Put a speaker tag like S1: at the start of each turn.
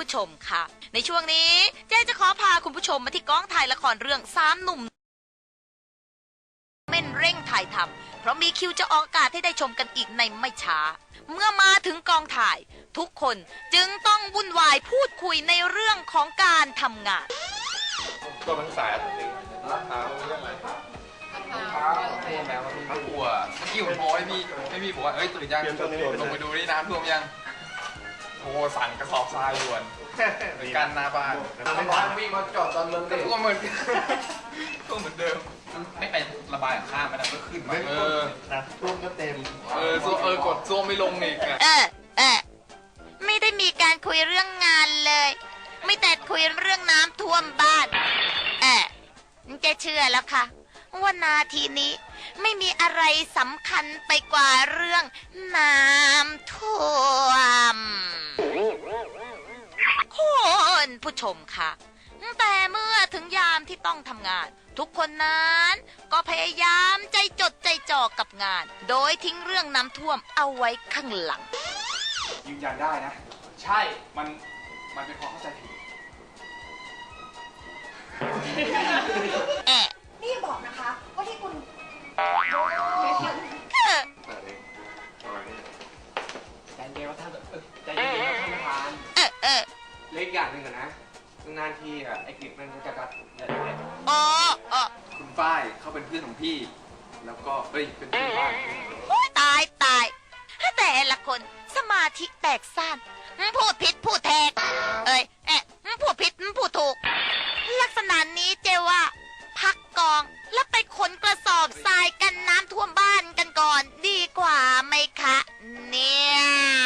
S1: ชมค่ะในช่วงนี้เจ๊จะขอพาคุณผู้ชมมาที่กองถ่ายละครเรื่อง3 หนุ่มเม่นเร่งถ่ายทำเพราะมีคิวจะออกอากาศให้ได้ชมกันอีกในไม่ช้าเมื่อมาถึงกองถ่ายทุกคนจึงต้องวุ่นวายพูดคุยในเรื่องของการทำงาน
S2: ตัวมันสายอะไรราคาเรื่องอะไรท่วมแล้วทั้งตัวเมื่อกี้ผมโทรให้พี่บอกว่าเอ้ยตื่นยังลงไปดูนี่น้ำท่วมยังโทรสั่งกระสอบทรายด่วนเหมือนกันหน้าบ้านบ้านวิ่งมาจอดตอนเมืองท่วมเหมือนท่วมเหมือนเดิมไม่ไประบายข้ามไปนะก็ขึ้นมา
S3: ท่วมก็เต็ม
S2: กดซ่วมไม่ลงอีก
S1: ไม่ได้มีการคุยเรื่องงานเลยไม่แต่คุยเรื่องน้ำท่วมบ้านจะเชื่อแล้วค่ะว่านาทีนี้ไม่มีอะไรสำคัญไปกว่าเรื่องน้ำท่วมคุณผู้ชมค่ะแต่เมื่อถึงยามที่ต้องทำงานทุกคนนั้นก็พยายามใจจดใจจ่อกับงานโดยทิ้งเรื่องน้ำท่วมเอาไว้ข้างหลัง
S2: ยืนยันได้นะใช่มันเป็นความเข้าใจผิด
S4: นี่บอกนะคะว่าที่คุณ
S3: ใจเย็นว่าท่านใจเย็นว่าท่านประธานเล็กอย่างหนึ่งนะนานทีไอ้กฤษมันจะกัด
S2: คุณฝ้ายเขาเป็นเพื่อนของพี่แล้วก็เป็นเพื่อนบ้าน
S1: ตายแต่ละคนสมาธิแตกสั้นพูดผิดพูดแทกพูดผิดพูดถูกลักษณะนี้เจว่าพักกองแล้วไปขนกระสอบทรายกันน้ำท่วมบ้านกันก่อนดีกว่าไหมคะเนี่ย